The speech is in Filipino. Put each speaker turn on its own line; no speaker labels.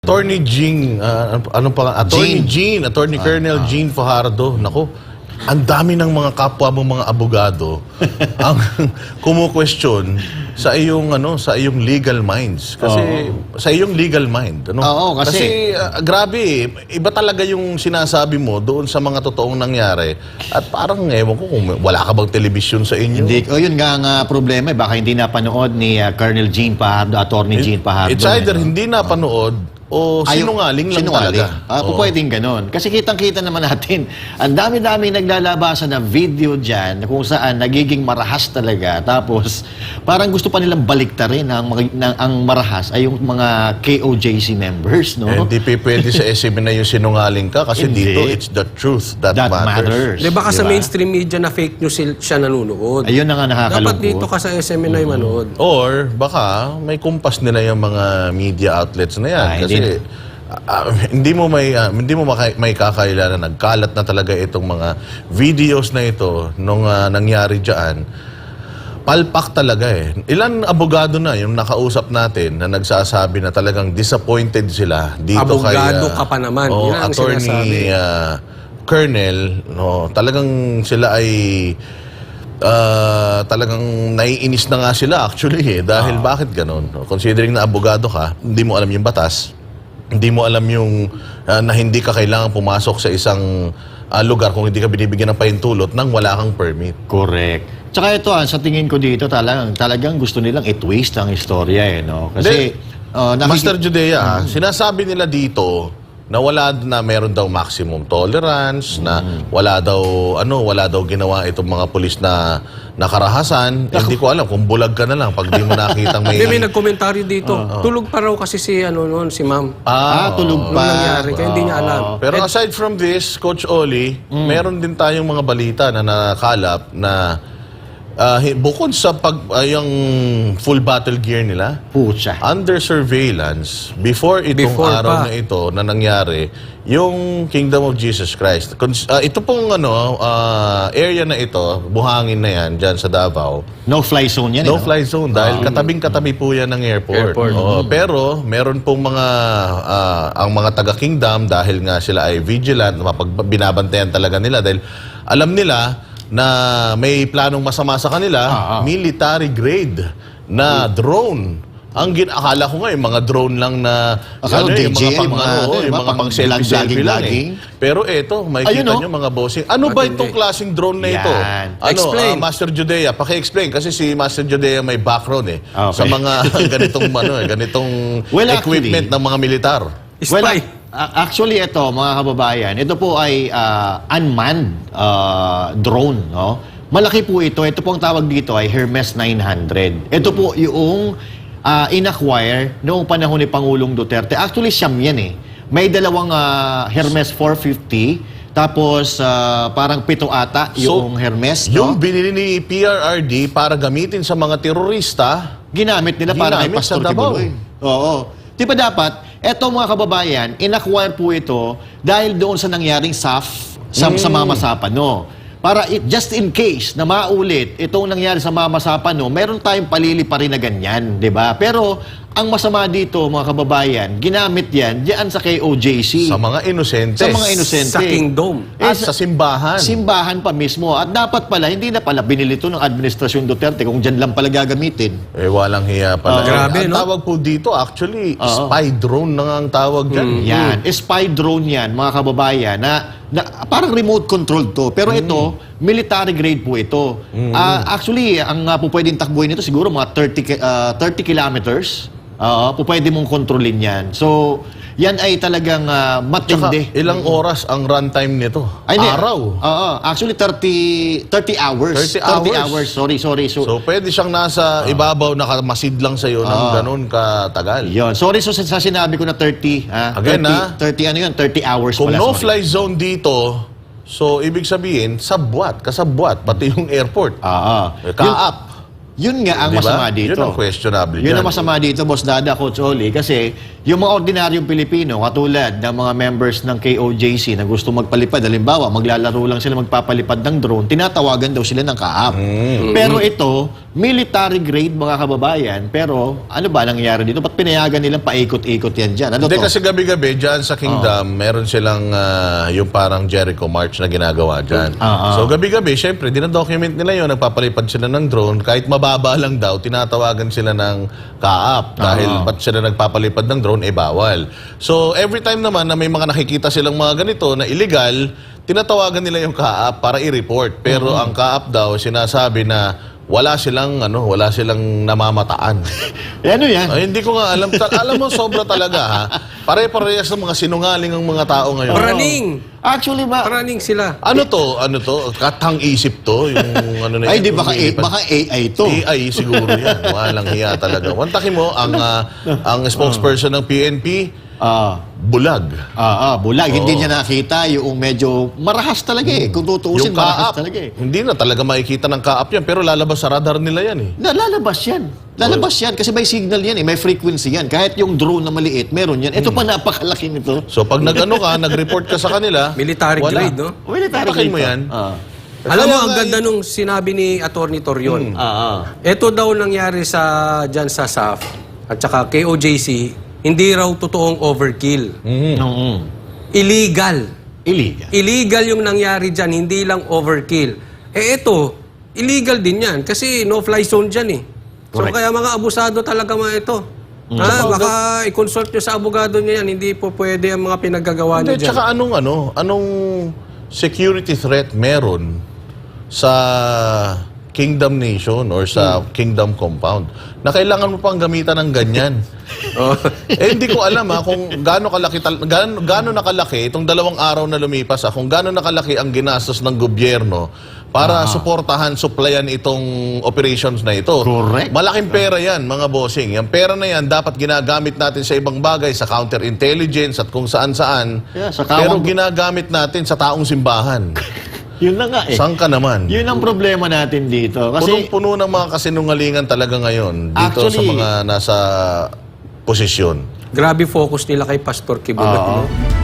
Attorney Jean, anong pa? Attorney Jean, Attorney Colonel Jean Fajardo. Nako, ang dami ng mga kapwa mong mga abogado ang kumu-question sa iyong legal minds. Kasi sa iyong legal mind, ano?
Oo, kasi
grabe, iba talaga yung sinasabi mo doon sa mga totoong nangyari. At parang ewan ko kung wala ka bang television sa inyo.
Hindi, yun nga ang problema, baka hindi napanood ni Colonel Jean Fajardo, Attorney Jean Fajardo.
It's either hindi napanood o sinungaling lang talaga.
Pwedeng ganon. Kasi kitang-kita naman natin, ang dami-dami naglalabasan na video dyan kung saan nagiging marahas talaga. Tapos, parang gusto pa nilang baliktarin ang marahas ay yung mga KOJC members, no?
Hindi pwede sa SM na yung sinungaling ka kasi dito, it's the truth that matters.
Di baka sa mainstream media na fake news siya nanonood.
Ayun na nga nakakalungkot.
Dapat dito ka sa SMNI manood.
Or baka may kumpas nila yung mga media outlets na yan. Kasi hindi mo may kakailan na nagkalat na talaga itong mga videos na ito nung nangyari diyan. Palpak talaga eh. Ilan abogado na yung nakausap natin na nagsasabi na talagang disappointed sila dito
abogado ka pa naman. Yan ang
Attorney Colonel, no, talagang sila ay talagang naiinis na nga sila actually eh. Dahil bakit ganun? Considering na abogado ka, hindi mo alam yung batas. Hindi mo alam yung na hindi ka kailangan pumasok sa isang lugar kung hindi ka binibigyan ng pahintulot nang wala kang permit.
Correct. Tsaka ito, sa tingin ko dito, talagang gusto nilang i-twist ang istorya, eh, no? Kasi,
Master Judea, sinasabi nila dito na meron daw maximum tolerance, na wala daw ginawa itong mga pulis na nakarahasan. Hindi ko alam kung bulag ka na lang pag di mo nakitang may...
May nagkomentaryo dito. Tulog pa raw kasi si si ma'am.
tulog pa.
Nangyari, kaya hindi niya alam.
Pero aside from this, Coach Oli, meron din tayong mga balita na nakalap na bukod sa yung full battle gear nila,
Pucha.
under surveillance, before araw na ito na nangyari, yung Kingdom of Jesus Christ. Ito pong area na ito, buhangin na yan, dyan sa Davao.
No-fly zone yan,
No-fly zone, dahil katabing-katabi po yan ng airport. Pero meron pong ang mga taga-Kingdom, dahil nga sila ay vigilant, binabantayan talaga nila, dahil alam nila na may planong masama sa kanila, military grade na drone. Akala ko nga yung mga drone lang na yung mga pang selfie lang eh. Pero eto, makikita nyo mga bossing. Ano ba itong klaseng drone na ito?
Explain.
Master Judea, paki-explain kasi si Master Judea may background sa mga ganitong equipment ng mga militar.
Spy.
Actually, ito, mga kababayan, ito po ay unmanned drone, no? Malaki po ito. Ito po ang tawag dito ay Hermes 900. Ito po yung in-acquire noong panahon ni Pangulong Duterte. Actually, siyam yan eh. May dalawang Hermes 450, tapos parang 7 ata yung Hermes.
Yung binili ni PRRD para gamitin sa mga terorista,
ginamit nila para kay Pastor Kibuloy. Oo. Di ba dapat, eto mga kababayan, in-acquire po ito dahil doon sa nangyaring SAF sa Mama Sapano. Para just in case na maulit itong nangyari sa Mama Sapano, meron tayong palili pa rin na ganyan, di ba? Pero ang masama dito, mga kababayan, ginamit yan diyan sa KOJC.
Sa mga inosente.
Sa mga inosente.
Sa Kingdom.
At sa simbahan.
Simbahan pa mismo. At dapat pala, hindi na pala binili ito ng Administrasyon Duterte kung dyan lang pala gagamitin.
Walang hiya pala.
Grabe,
ang
no?
tawag po dito, actually, spy drone na nga ang tawag dyan.
Yan. Spy drone yan, mga kababayan, na parang remote control to. Pero ito, military grade po ito. Actually, ang po pwedeng takbuhin nito siguro mga 30 kilometers. Pwede mong kontrolin yan. So, yan ay talagang matindi.
Tsaka, ilang oras ang runtime nito? Araw?
Actually, 30 hours.
30
hours. Sorry.
So, pwede siyang nasa ibabaw, nakamasid lang sa'yo ng ganun katagal.
Yun. Sorry sa sinabi ko na 30.
Again,
30 hours
kung
pala.
no-fly zone dito, so, ibig sabihin, kasabwat, pati yung airport. Kaap.
Yun nga ang masama dito.
Yun ang questionable
Yun ang masama dito, Boss Dada, Coach Oli, kasi yung mga ordinaryong Pilipino, katulad ng mga members ng KOJC na gusto magpalipad, halimbawa, maglalaro lang sila magpapalipad ng drone, tinatawagan daw sila ng kaap. Pero ito, military grade mga kababayan, pero ano ba nangyayari dito? Ba't pinayagan nilang paikot-ikot yan dyan? Ano
Hindi
to?
kasi gabi-gabi dyan sa Kingdom, meron silang yung parang Jericho March na ginagawa dyan. So gabi-gabi, syempre, dinadocument nila yun, nagpapalipad sila ng drone, kahit mababa lang daw, tinatawagan sila ng kaap dahil ba't sila nagpapalipad ng drone, bawal. So every time naman na may mga nakikita silang mga ganito na illegal, tinatawagan nila yung kaap para i-report. Pero ang kaap daw, sinasabi na wala silang namamataan.
Ano yan?
Ay, hindi ko nga alam. Alam mo, sobra talaga ha. Pare-parehas ng mga sinungaling ang mga tao ngayon.
Paraning!
Actually,
Paraning sila.
Ano to? Katang isip to? Yung ano na
ay,
yun,
di baka,
yung
baka AI to.
AI siguro yan. Walang hiya talaga. Wantakin mo, ang spokesperson ng PNP, bulag.
Bulag. Hindi niya nakita yung medyo marahas talaga eh. Kung tutuusin,
Yung
marahas
kaap,
talaga eh.
hindi na talaga makikita ng kaap yan, pero lalabas sa radar nila yan eh.
Lalabas yan. Lalabas yan kasi may signal yan eh. May frequency yan. Kahit yung drone na maliit, meron yan. Ito pa napakalaki nito.
So pag nag-report ka sa kanila,
Military
wala.
grade, no?
Military
Patakin
grade
mo
to.
yan.
Alam mo,
Kaya
ang
nga
ganda nung sinabi ni Atty. Torion.
Ah.
Ito daw nangyari dyan sa SAF at saka KOJC, hindi raw totoong overkill. Illegal.
Illegal.
Illegal yung nangyari dyan, hindi lang overkill. Ito, illegal din yan kasi no-fly zone dyan eh. So
Correct.
kaya mga abusado talaga mga ito. Baka i-consult nyo sa abogado nyo yan, hindi po pwede ang mga pinaggagawa nyo
Hindi,
dyan.
tsaka anong security threat meron sa Kingdom Nation or sa Kingdom Compound na kailangan mo pang gamitan ng ganyan. Hindi ko alam kung gaano nakalaki itong 2 araw na lumipas kung gaano nakalaki ang ginastos ng gobyerno para suportahan, supplyan itong operations na ito.
Correct.
Malaking pera yan, mga bossing. Yung pera na yan, dapat ginagamit natin sa ibang bagay, sa counterintelligence at kung saan-saan.
Yeah, sa
Pero
kawang-
ginagamit natin sa taong simbahan.
Yun na nga eh.
Saan ka naman?
Yun ang problema natin dito. Kasi
Punong-puno ng mga kasinungalingan talaga ngayon dito sa
Actually-
mga nasa posisyon.
Grabe focus nila kay Pastor Kibulat.
Oo.
No?